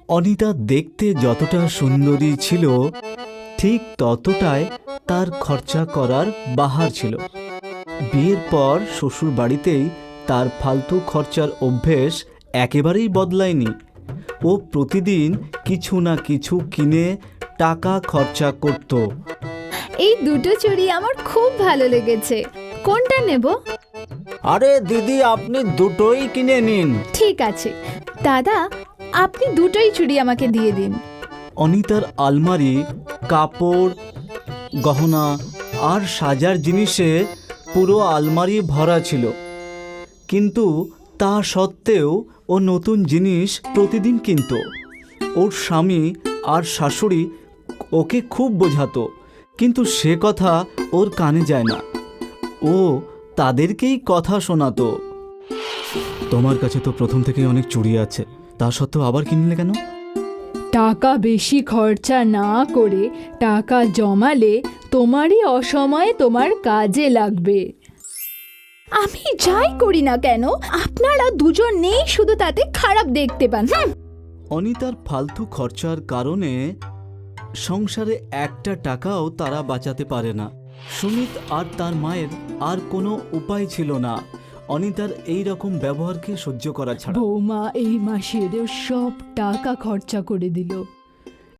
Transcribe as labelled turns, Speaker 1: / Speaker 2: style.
Speaker 1: অনিতা দেখতে যতটা সুন্দরী ছিল ঠিক ততটাই তার খরচা করার বাহার ছিল। বিয়ের পর শ্বশুর বাড়িতেই তার ফালতু খরচার অভ্যেস একেবারেই বদলায়নি। ও প্রতিদিন কিছু না কিছু কিনে টাকা খরচা করত।
Speaker 2: এই দুটো চুড়ি আমার খুব ভালো লেগেছে, কোনটা নেব?
Speaker 1: আরে দিদি, আপনি দুটোই কিনে নিন।
Speaker 2: ঠিক আছে দাদা, আপনি দুটোই চুড়ি আমাকে দিয়ে দিন।
Speaker 1: অনিতার আলমারি কাপড়, গহনা আর সাজার জিনিসে পুরো আলমারি ভরা ছিল, কিন্তু তা সত্ত্বেও ও নতুন জিনিস প্রতিদিন কিনত। ওর স্বামী আর শাশুড়ি ওকে খুব বোঝাতো, কিন্তু সে কথা ওর কানে যায় না। ও তাদেরকেই কথা শোনাতো। তোমার কাছে তো প্রথম থেকেই অনেক চুড়ি আছে, তা সত্ত্বেও আবার কিনলে কেন?
Speaker 3: টাকা বেশি খরচা না করে টাকা জমালে তোমারই অসময়ে তোমার কাজে লাগবে।
Speaker 2: আমি যাই করি না কেন আপনারা দুজন নেই শুধু তাতে খারাপ দেখতে পান।
Speaker 1: অনিতার ফালতু খরচার কারণে সংসারে একটা টাকাও তারা বাঁচাতে পারে না। সুমিত আর তার মায়ের আর কোনো উপায় ছিল না অনিতার এই রকম ব্যবহারকে সহ্য করা ছাড়া।
Speaker 3: বৌমা এই মাসের সব টাকা খরচা করে দিল।